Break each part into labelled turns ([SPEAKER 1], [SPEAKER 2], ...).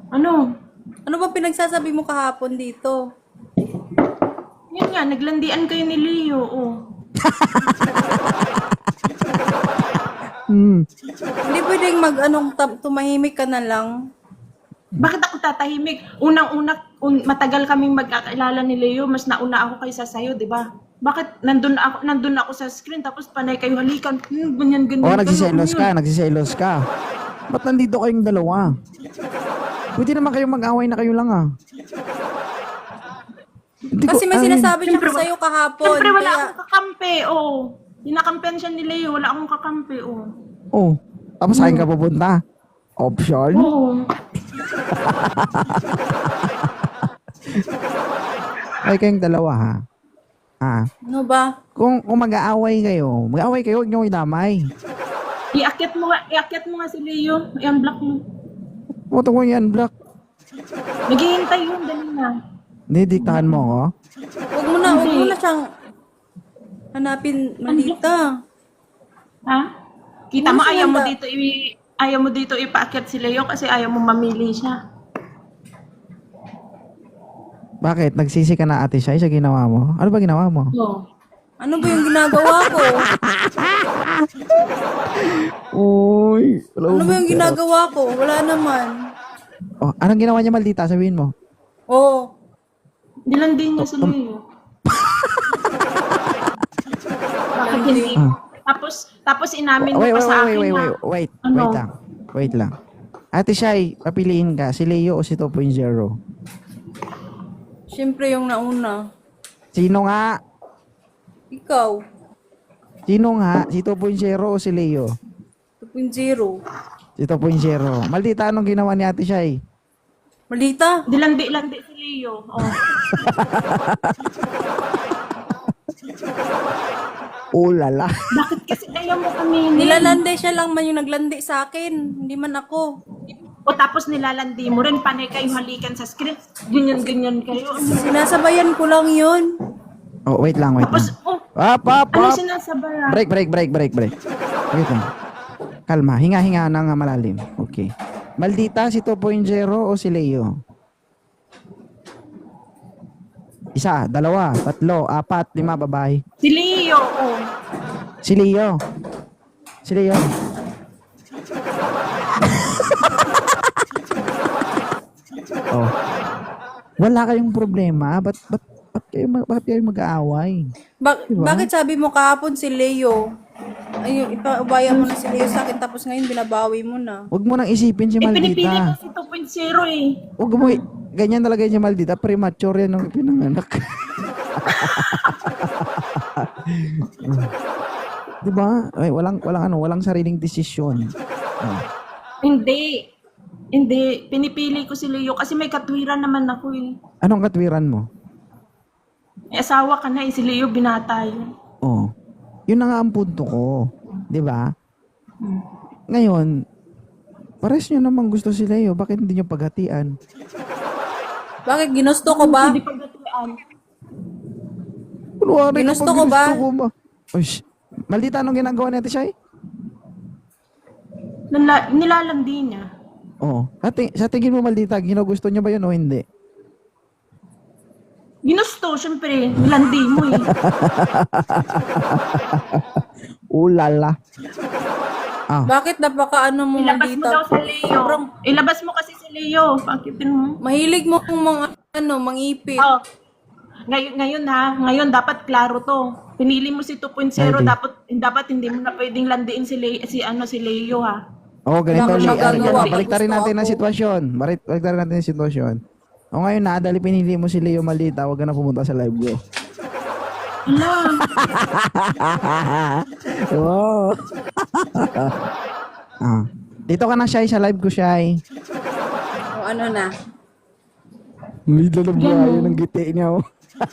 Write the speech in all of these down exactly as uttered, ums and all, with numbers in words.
[SPEAKER 1] Ano?
[SPEAKER 2] Ano ba pinagsasabi mo kahapon dito?
[SPEAKER 1] Yun nga, naglandian kayo ni Leo, oh.
[SPEAKER 3] Hmm.
[SPEAKER 2] Hindi pwedeng mag-anong tam- tumahimik ka na lang.
[SPEAKER 1] Bakit ako tatahimik? Unang-una, un, matagal kaming magkakilala ni Leo, mas nauna ako kaysa sa'yo, di ba? Bakit nandun ako, nandun ako sa screen, tapos panay kayo halikan, hmm, ganyan, ganyan,
[SPEAKER 3] Oo,
[SPEAKER 1] ganyan,
[SPEAKER 3] nagsiselos ka,
[SPEAKER 1] ganyan.
[SPEAKER 3] nagsiselos ka. Ba't nandito kayong dalawa? Pwede naman kayong mag-away na kayo lang ah. Hindi ko-
[SPEAKER 2] Kasi may
[SPEAKER 3] ay,
[SPEAKER 2] sinasabi siya
[SPEAKER 1] Siyempre,
[SPEAKER 2] sa'yo kahapon.
[SPEAKER 1] Siyempre, wala
[SPEAKER 2] Kaya,
[SPEAKER 1] akong kakampi, oh. Hinakampihan siya ni Leo, wala akong kakampi, oh.
[SPEAKER 3] Oh, tapos sa akin ka pupunta. Option?
[SPEAKER 1] Oo.
[SPEAKER 3] Ay kayong dalawa ha. Ah,
[SPEAKER 2] ano ba?
[SPEAKER 3] kung, kung mag-aaway kayo, mag-aaway kayo, huwag niyo idamay.
[SPEAKER 1] Iakyat mo nga, iakyat mo nga si Leo, i-unblock mo.
[SPEAKER 3] Puto ko yan, Black.
[SPEAKER 1] Naghihintay yun, dali na.
[SPEAKER 3] Didiktahan mo ako.
[SPEAKER 2] Huwag mo na, huwag mo na siyang hanapin, Malita.
[SPEAKER 1] Ha? Kita mo,
[SPEAKER 2] Ano siya
[SPEAKER 1] ayaw mo
[SPEAKER 2] ba?
[SPEAKER 1] dito i ayaw mo dito ipaakyat si Leo kasi ayaw mo mamili siya.
[SPEAKER 3] Bakit? Nagsisi ka na ate siya sa ginawa mo? Ano ba ginawa mo?
[SPEAKER 1] Oo.
[SPEAKER 2] Ano ba yung ginagawa ko?
[SPEAKER 3] Uy,
[SPEAKER 2] Ano ba yung ginagawa ko? Wala naman.
[SPEAKER 3] Oh, anong ginawa niya maldita? Sabihin mo.
[SPEAKER 2] Oo.
[SPEAKER 1] Nilandi niya si Leo. Bakit hindi?
[SPEAKER 3] Ah.
[SPEAKER 1] Tapos, tapos inamin mo
[SPEAKER 3] Wait,
[SPEAKER 1] pa
[SPEAKER 3] wait,
[SPEAKER 1] sa
[SPEAKER 3] wait,
[SPEAKER 1] akin
[SPEAKER 3] wait,
[SPEAKER 1] na,
[SPEAKER 3] wait, wait,
[SPEAKER 1] Ano?
[SPEAKER 3] wait lang. Wait lang. Ate Shai, papiliin ka, si Leo o si two point oh?
[SPEAKER 2] Siyempre yung nauna.
[SPEAKER 3] Sino nga?
[SPEAKER 2] Ikaw.
[SPEAKER 3] Sino nga? Si two point oh o si Leo?
[SPEAKER 2] two point oh.
[SPEAKER 3] Si two point oh. Maldita, anong ginawa ni Ate Shai?
[SPEAKER 2] Malita.
[SPEAKER 1] dilandi-landi si Leo. Oh.
[SPEAKER 3] Oh, lala.
[SPEAKER 1] Bakit kasi ayaw mo kami?
[SPEAKER 2] Nilalande siya lang man yung naglandi sa akin. Hindi man ako.
[SPEAKER 1] O tapos nilalandi mo rin, panay kayo halikan sa screen. Ganyan-ganyan kayo.
[SPEAKER 2] Sinasabayan ko lang yun.
[SPEAKER 3] Oh, wait lang, wait
[SPEAKER 1] Tapos,
[SPEAKER 3] lang.
[SPEAKER 1] oh,
[SPEAKER 3] Up, up,
[SPEAKER 1] ano
[SPEAKER 3] up.
[SPEAKER 1] sinasabara?
[SPEAKER 3] Break, break, break, break, break. Wait lang. Kalma, hinga-hinga na nga malalim. Okay. Maldita, si two point oh o si Leo? Isa, dalawa, tatlo, apat, lima, babae.
[SPEAKER 1] Si Leo, oh.
[SPEAKER 3] Si Leo. Si Leo. Oh. Wala kayong problema. Ba't, ba't, ba't kayo, mag- bakit kayo mag-aaway?
[SPEAKER 2] Ba-
[SPEAKER 3] Diba?
[SPEAKER 2] Bakit sabi mo kahapon si Leo? Ayun, ipaubaya mo na si Leo sa akin tapos ngayon binabawi mo na.
[SPEAKER 3] Huwag mo nang isipin si
[SPEAKER 1] Eh, pinipili ko
[SPEAKER 3] Maldita.
[SPEAKER 1] si two point oh eh.
[SPEAKER 3] Huwag mo, i- ganyan talaga yung si Maldita. Premature yan nung pinanganak. Diba? Ay, walang, walang ano, walang sariling desisyon. Oh.
[SPEAKER 1] Hindi. Hindi. Pinipili ko si Leo kasi may katwiran naman ako eh.
[SPEAKER 3] Anong katwiran mo?
[SPEAKER 1] May asawa ka na eh. Si Leo binata yun.
[SPEAKER 3] Oh. Yun na nga ang punto ko. Di ba? Ngayon, pares nyo naman gusto si Leo. Bakit hindi nyo paghatian?
[SPEAKER 2] Bakit ginusto ko ba?
[SPEAKER 1] Hindi pagdatuan.
[SPEAKER 3] Kunwari
[SPEAKER 2] Ginusto
[SPEAKER 3] kapag
[SPEAKER 2] ko ba?
[SPEAKER 3] ginusto ko ba? Uy, sh- Maldita, anong ginagawa natin siya eh?
[SPEAKER 1] Nala- nilalandi niya.
[SPEAKER 3] Oo. Sa, ti- sa tingin mo, Maldita, ginugusto niya ba yun o hindi?
[SPEAKER 1] Ginusto, syempre. Nilandi mo eh.
[SPEAKER 3] Ulala. Ah,
[SPEAKER 2] Bakit napaka ano mo
[SPEAKER 1] Ilabas mo daw
[SPEAKER 2] Malita?
[SPEAKER 1] sa Leo. Ilabas mo kasi si Leo. Pakitin mo.
[SPEAKER 2] Mahilig mo kung mga ano, mangipit.
[SPEAKER 1] Oh. Ngayon, ngayon ha, ngayon dapat klaro to. Pinili mo si two point oh,
[SPEAKER 3] Ready.
[SPEAKER 1] dapat dapat hindi mo na pwedeng landiin si Le, si ano si Leo ha.
[SPEAKER 3] Oo, ganito.
[SPEAKER 2] Wala kang
[SPEAKER 3] Li-
[SPEAKER 2] magagawa.
[SPEAKER 3] ano, Baliktarin
[SPEAKER 2] Gusto
[SPEAKER 3] natin ang
[SPEAKER 2] ako.
[SPEAKER 3] sitwasyon. Barik- Baliktarin natin ang sitwasyon. O ngayon na, dahil pinili mo si Leo Maldita, huwag ka na pumunta sa live ko.
[SPEAKER 1] Hala,
[SPEAKER 3] Oo. ah. Dito ka na, Shai, sa live ko, Shai.
[SPEAKER 2] O ano na?
[SPEAKER 3] May na buhayo ng giti niya, oh.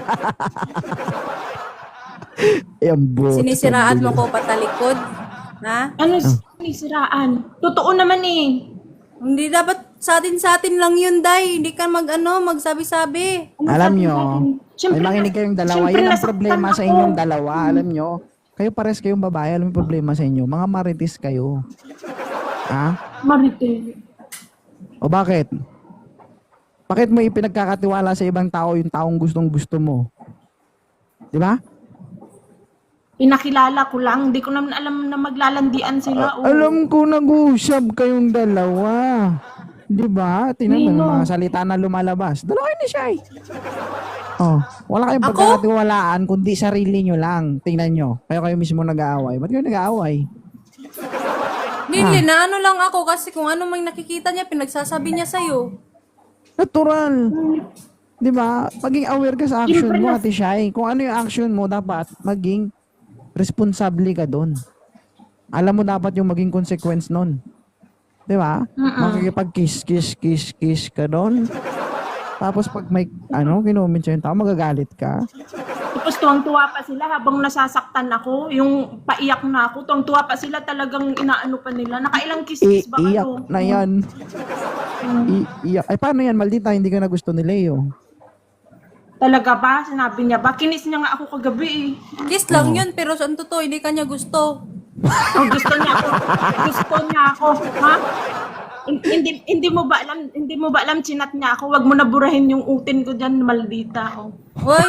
[SPEAKER 3] Ayan, bro.
[SPEAKER 2] Sinisiraan mo ko patalikod? Ha?
[SPEAKER 1] ano sinisiraan? Totoo naman eh.
[SPEAKER 2] Hindi dapat sa atin sa atin lang yun, Day. Hindi ka mag ano, magsabi-sabi.
[SPEAKER 1] Ano
[SPEAKER 3] Alam
[SPEAKER 1] sabi
[SPEAKER 3] nyo,
[SPEAKER 1] natin?
[SPEAKER 3] may
[SPEAKER 1] Siyempre
[SPEAKER 3] makinig
[SPEAKER 1] na-
[SPEAKER 3] kayong dalawa.
[SPEAKER 1] siyempre
[SPEAKER 3] Yun ang
[SPEAKER 1] nasaktan
[SPEAKER 3] problema sa
[SPEAKER 1] ako.
[SPEAKER 3] inyong dalawa. Alam nyo, kayo pares kayong babae. Alam mo yung problema sa inyo. Mga marites kayo. Ha?
[SPEAKER 1] Marite.
[SPEAKER 3] O bakit? Bakit mo ipinagkakatiwala sa ibang tao yung taong gustong gusto mo? Di ba?
[SPEAKER 1] Pinakilala ko lang. Hindi ko naman alam na maglalandian sila. oh.
[SPEAKER 3] Alam ko nag-uusap kayong dalawa. Di ba? Tingnan mo
[SPEAKER 1] Nino.
[SPEAKER 3] yung mga salita na lumalabas. Dalawa ni siya eh. Oh, wala kayong
[SPEAKER 2] Ako?
[SPEAKER 3] pagkakatiwalaan kundi sarili nyo lang. Tingnan nyo. Kayo kayo mismo nag-aaway. Ba't kayo nag-aaway?
[SPEAKER 2] Nili, na ano lang ako kasi kung ano mang nakikita niya, pinagsasabi niya sa'yo.
[SPEAKER 3] Natural. Di ba? Maging aware ka sa action mo, Ate Shai. Kung ano yung action mo, dapat maging responsable ka doon. Alam mo dapat yung maging consequence nun. Di ba? Makikipag-kiss, kiss, kiss, kiss ka doon. Tapos pag may, ano, kinumin siya yung tao, magagalit ka.
[SPEAKER 1] Tapos tuwang-tuwa pa sila habang nasasaktan ako. Yung paiyak na ako. Tuwang-tuwa pa sila talagang inaano pa nila. Nakailang kiss-kiss ba
[SPEAKER 3] I- iyak
[SPEAKER 1] kayo?
[SPEAKER 3] na yan. I- iyak. Ay, paano yan? Maldita, hindi ka na gusto ni Leo.
[SPEAKER 1] Talaga ba? Sinabi niya ba? Kinis niya nga ako kagabi eh.
[SPEAKER 2] Kiss lang yun, pero sa totoo, hindi kanya gusto.
[SPEAKER 1] Oh, gusto niya ako. Gusto niya ako. Ha? Hin- Hindi, hindi mo ba alam, hindi mo ba alam chinat niya ako? Wag mo na burahin yung utin ko diyan, maldita. Oh.
[SPEAKER 2] Hoy,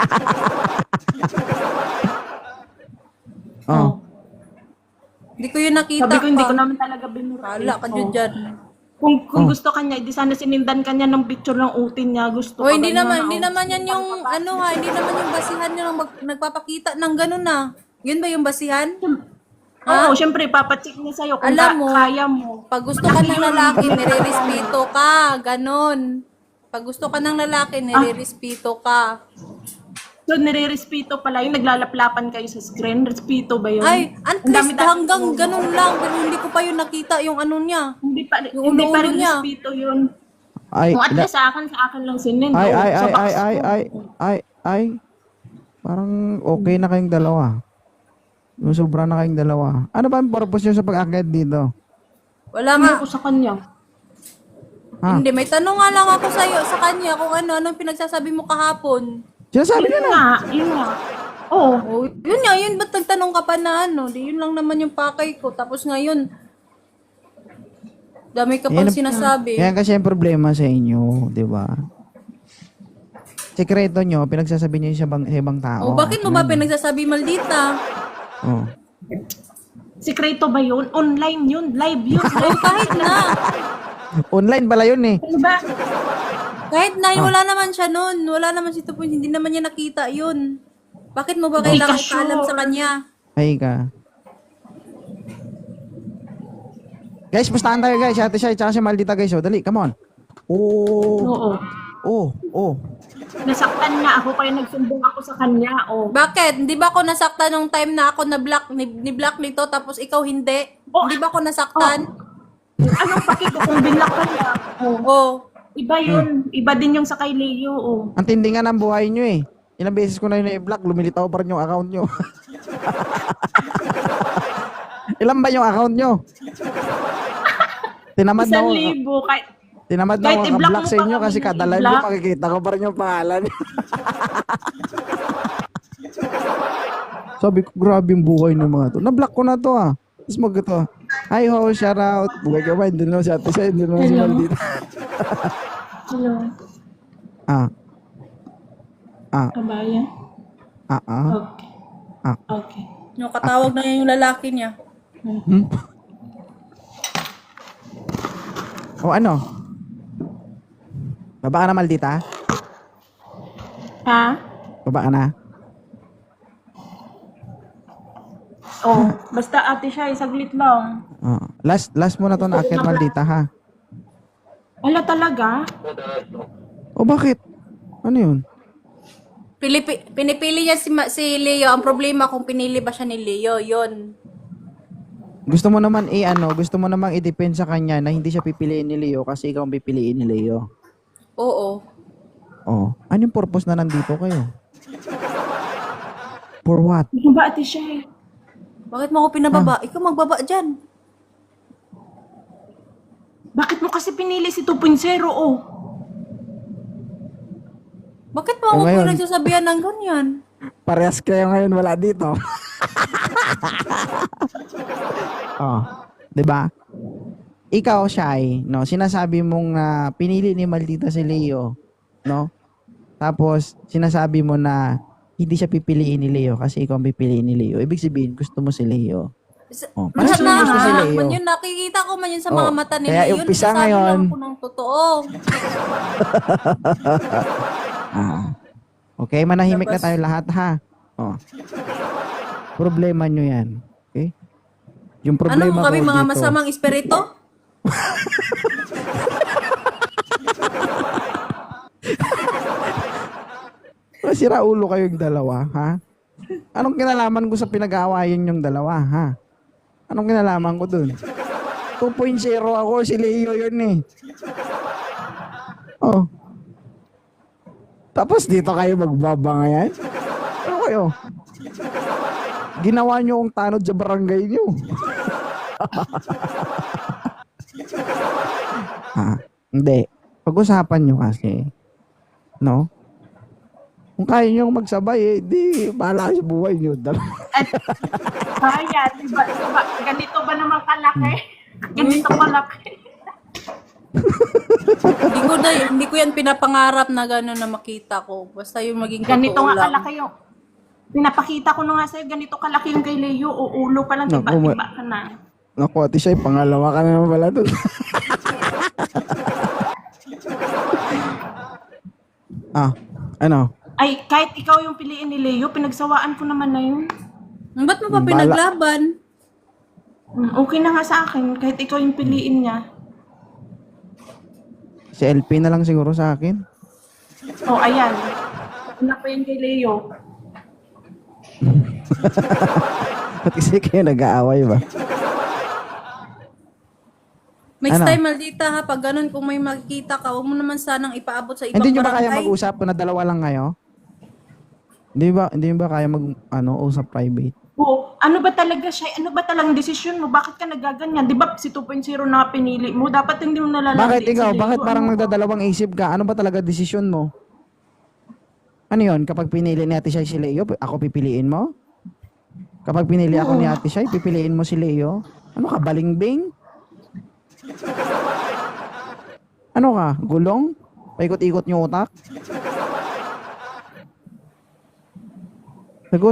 [SPEAKER 3] Oh.
[SPEAKER 2] hindi ko yun nakita
[SPEAKER 1] Sabi ko hindi ko
[SPEAKER 2] pa.
[SPEAKER 1] naman talaga binura.
[SPEAKER 2] Wala ka dyan
[SPEAKER 1] Oh.
[SPEAKER 2] dyan.
[SPEAKER 1] Kung kung
[SPEAKER 3] Oh.
[SPEAKER 1] gusto kanya, di sana sinindan kanya ng picture ng utin niya. Gusto
[SPEAKER 2] Hoy,
[SPEAKER 1] ka
[SPEAKER 2] hindi
[SPEAKER 1] ganyan,
[SPEAKER 2] naman,
[SPEAKER 1] oh.
[SPEAKER 2] hindi naman yan yung, ano ha, hindi naman yung basihan nyo ng mag- nagpapakita ng ganun na. Yun ba yung basihan?
[SPEAKER 1] Oo, syempre, papacheck niya sa'yo kung
[SPEAKER 2] Alam
[SPEAKER 1] ka-
[SPEAKER 2] mo,
[SPEAKER 1] kaya mo.
[SPEAKER 2] Pag gusto ka ng lalaki, nire-respeto ka. Ganon. Pag gusto ka ng lalaki, nire-respeto ka.
[SPEAKER 1] So, nire-respeto pala yung naglalaplapan kayo sa screen. Respeto ba yun?
[SPEAKER 2] Ay, at
[SPEAKER 1] Ang
[SPEAKER 2] least
[SPEAKER 1] dami-dami-
[SPEAKER 2] hanggang ganun lang. Pero hindi ko pa yun nakita yung ano niya.
[SPEAKER 1] Hindi pa,
[SPEAKER 2] Yung
[SPEAKER 1] hindi pa
[SPEAKER 2] ulo-ulo
[SPEAKER 1] rin
[SPEAKER 2] niya.
[SPEAKER 1] respeto yun.
[SPEAKER 3] Ay,
[SPEAKER 1] Kung at
[SPEAKER 3] na-
[SPEAKER 1] least sa akin, sa akin lang sinin.
[SPEAKER 3] ay,
[SPEAKER 1] oh,
[SPEAKER 3] ay,
[SPEAKER 1] sa
[SPEAKER 3] ay,
[SPEAKER 1] box
[SPEAKER 3] ay, ay,
[SPEAKER 1] ko.
[SPEAKER 3] ay, ay, ay, parang okay na kayong dalawa. Yung sobra na kayong dalawa. Ano ba ang purpose nyo sa pag-akit dito?
[SPEAKER 2] Wala
[SPEAKER 1] Ano
[SPEAKER 2] nga.
[SPEAKER 1] ko sa kanya?
[SPEAKER 3] Ha?
[SPEAKER 2] Hindi, may tanong nga lang ako sa'yo, sa kanya kung ano, anong pinagsasabi mo kahapon.
[SPEAKER 3] Sinasabi niya
[SPEAKER 1] Yun
[SPEAKER 3] na.
[SPEAKER 1] nga, yun nga. Oo.
[SPEAKER 2] Oh, yun nga, yun ba't nagtanong ka pa na ano? Di yun lang naman yung pakay ko. Tapos ngayon, dami ka pang
[SPEAKER 3] Yan-
[SPEAKER 2] sinasabi.
[SPEAKER 3] Yan kasi ang problema sa inyo, di ba? Sekreto nyo, pinagsasabi niyo sa ibang, sa ibang tao.
[SPEAKER 2] Oh, bakit mo ba pinagsasabi maldita?
[SPEAKER 3] Oh.
[SPEAKER 1] Sikreto ba yun? Online yun. Live yun.
[SPEAKER 2] Oh, kahit na.
[SPEAKER 3] Online pala yun eh.
[SPEAKER 1] Ano ba?
[SPEAKER 2] Kahit na,
[SPEAKER 3] Ah.
[SPEAKER 2] wala naman siya nun. Wala naman si Tupoy. Hindi naman niya nakita yun. Bakit mo ba kailangan
[SPEAKER 1] ka sure.
[SPEAKER 2] ipaalam sa kanya?
[SPEAKER 3] Ay ka. Guys, pustahan tayo guys. Ate Shai, tsaka si Maldita guys. Oh, dali, come on. Oh,
[SPEAKER 1] Oo.
[SPEAKER 3] oh, oh.
[SPEAKER 1] Nasaktan niya ako kaya nagsumbong ako sa kanya. Oh.
[SPEAKER 2] Bakit? Hindi ba ako nasaktan nung time na ako na-block ni, ni-block nito tapos ikaw hindi?
[SPEAKER 1] Oh.
[SPEAKER 2] Hindi ba ako nasaktan?
[SPEAKER 1] Anong paki ko kung binlock ka niya? Oh.
[SPEAKER 2] Oh.
[SPEAKER 1] Iba yun. Iba din yung sa kay Leo. Oh.
[SPEAKER 3] Ang tindi nga ng buhay nyo eh. Ilang beses ko na yun i-block, lumilitaw pa rin yung account nyo. Ilan ba yung account nyo? Tinamad na
[SPEAKER 1] Isang
[SPEAKER 3] ako.
[SPEAKER 1] libo. Kahit,
[SPEAKER 3] Tinamad na
[SPEAKER 1] Kahit
[SPEAKER 3] ako
[SPEAKER 1] i-block
[SPEAKER 3] ka-block
[SPEAKER 1] mo
[SPEAKER 3] sa
[SPEAKER 1] pa
[SPEAKER 3] inyo
[SPEAKER 1] kami
[SPEAKER 3] kasi
[SPEAKER 1] ng
[SPEAKER 3] kada live
[SPEAKER 1] i-block.
[SPEAKER 3] nyo makikita ko pa rin yung pangalan. Sabi ko, grabe yung buhay ng mga to. Na-block ko na to ah. Tapos mag ito. Hi ho, shout out. Bugay ka ba? Hindi naman si Ate Shai, hindi naman si
[SPEAKER 1] Hello.
[SPEAKER 3] Maldita.
[SPEAKER 1] hello.
[SPEAKER 3] Ah. Ah.
[SPEAKER 1] Kabayan.
[SPEAKER 3] Ah ah.
[SPEAKER 1] Okay.
[SPEAKER 3] Ah.
[SPEAKER 1] Okay.
[SPEAKER 2] Yung katawag na yun yung lalaki niya.
[SPEAKER 3] Hmm? O ano? Baba ka na, Maldita?
[SPEAKER 1] Ha?
[SPEAKER 3] Baba ka na?
[SPEAKER 1] Oh, basta ate siya, saglit lang.
[SPEAKER 3] Oh. Last last mo na to na akit, Maldita, ha?
[SPEAKER 1] Wala talaga?
[SPEAKER 3] O bakit? Ano yun?
[SPEAKER 2] Pilipi, pinipili niya si, Ma- si Leo. Ang problema kung pinili ba siya ni Leo, yun.
[SPEAKER 3] Gusto mo naman i ano, gusto mo namang i-depend sa kanya na hindi siya pipiliin ni Leo kasi ikaw ang pipiliin ni Leo.
[SPEAKER 2] Oo.
[SPEAKER 3] Oh, ano yung purpose na nandito kayo? For what?
[SPEAKER 1] Ano ba ate siya?
[SPEAKER 2] Bakit mo ako pinababa? Ikaw magbaba dyan.
[SPEAKER 1] Bakit mo kasi pinili si two point oh? Oh.
[SPEAKER 2] Bakit mo ako
[SPEAKER 3] Eh, ngayon.
[SPEAKER 2] pinagsasabihan ng ganyan?
[SPEAKER 3] Parehas kayo ngayon wala dito. oh, 'di ba? ikaw, Shai, no, sinasabi mong na pinili ni Maldita si Leo, no? Tapos, sinasabi mo na hindi siya pipiliin ni Leo kasi ikaw ang pipiliin ni Leo. Ibig sabihin, gusto mo si Leo.
[SPEAKER 2] Sa-
[SPEAKER 3] Oh,
[SPEAKER 2] Lahat
[SPEAKER 3] parang
[SPEAKER 2] na,
[SPEAKER 3] gusto si Leo.
[SPEAKER 2] man yun, nakikita ko man yun sa mga
[SPEAKER 3] Oh,
[SPEAKER 2] mata ni
[SPEAKER 3] kaya
[SPEAKER 2] Leon.
[SPEAKER 3] umpisa
[SPEAKER 2] Sasabi
[SPEAKER 3] ngayon.
[SPEAKER 2] lang ko ng totoo.
[SPEAKER 3] Ah. Okay, manahimik na
[SPEAKER 2] Tapos-
[SPEAKER 3] tayo lahat, ha? Oh. Problema nyo yan. Okay? Yung
[SPEAKER 2] Ano
[SPEAKER 3] problema
[SPEAKER 2] mo kami,
[SPEAKER 3] ko
[SPEAKER 2] mga
[SPEAKER 3] dito,
[SPEAKER 2] masamang espiritu?
[SPEAKER 3] masira ulo kayong dalawa, ha? Anong kinalaman ko sa pinag-aawayan yung dalawa, ha? Anong kinalaman ko dun? two point oh ako, si Leo yun eh. Oh. Tapos dito kayo magbabangayan? Ano kayo? Ginawa nyo ang tanod sa barangay nyo. ha? Hindi. Pag-usapan nyo kasi. No? Kung kaya nyo magsabay eh, di, bahala kayo sa buhay nyo.
[SPEAKER 1] At, kaya, diba, diba, ganito ba naman kalaki? Ganito kalaki.
[SPEAKER 2] Hindi ko na, hindi ko yan pinapangarap na gano'n na makita ko. Basta yung maging
[SPEAKER 1] Ganito
[SPEAKER 2] totoo
[SPEAKER 1] nga
[SPEAKER 2] lang.
[SPEAKER 1] kalaki yung, pinapakita ko na nga sa'yo, ganito kalaki yung kay Leo, o ulo pa lang,
[SPEAKER 3] Naku,
[SPEAKER 1] tiba-tiba
[SPEAKER 3] ma-
[SPEAKER 1] ka na.
[SPEAKER 3] Naku, ati siya, pangalawa ka na naman pala doon. ah, ano?
[SPEAKER 1] Ay, kahit ikaw yung piliin ni Leo, pinagsawaan ko naman na yun.
[SPEAKER 2] Ba't mo pa
[SPEAKER 3] Bala-
[SPEAKER 2] pinaglaban?
[SPEAKER 1] Mm, Okay na nga sa akin, kahit ikaw yung piliin niya.
[SPEAKER 3] Si L P na lang siguro sa akin.
[SPEAKER 1] O, oh, ayan. Una pa yan kay Leo.
[SPEAKER 3] Ba't kasi kayo nag-aaway ba?
[SPEAKER 2] Next
[SPEAKER 3] Ano?
[SPEAKER 2] time, maldita ha, pag ganun, kung may makikita ka, huwag mo naman sanang ipaabot sa ibang
[SPEAKER 3] Hindi nyo ba kaya
[SPEAKER 2] barangay.
[SPEAKER 3] mag-usap kung na dalawa lang kayo? Hindi ba, hindi nyo ba kaya mag, ano, usap private?
[SPEAKER 1] Oo, ano ba talaga siya? Ano ba talagang desisyon mo? Bakit ka nagaganyan? Di ba si two point oh na pinili mo? Dapat hindi mo nalalandi.
[SPEAKER 3] Bakit ikaw?
[SPEAKER 1] si Leo.
[SPEAKER 3] Bakit parang
[SPEAKER 1] Ano?
[SPEAKER 3] nagdadalawang isip ka? Ano ba talaga desisyon mo? Ano yun? Kapag pinili ni Ate Shai si Leo, ako pipiliin mo? Kapag pinili ako ni Ate Shai, pipiliin mo si Leo? Ano ka, balingbing? Ano ka, gulong? Paikot-ikot niyo utak? Sagot.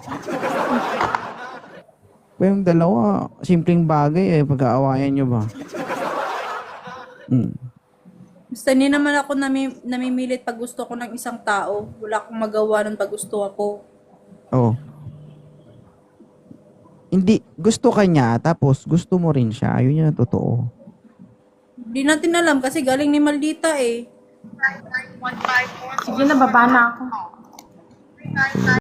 [SPEAKER 3] Pa yung dalawa, simpleng bagay eh, pag-aawayan nyo ba? Hmm.
[SPEAKER 2] Basta hindi naman ako nami, namimilit pag gusto ko ng isang tao. Wala akong magawa nun pag gusto ako.
[SPEAKER 3] Oh. Hindi, gusto ka niya, tapos gusto mo rin siya. Ayun yung totoo.
[SPEAKER 2] Hindi natin alam kasi galing ni Maldita eh.
[SPEAKER 1] Sige na, baba na ako.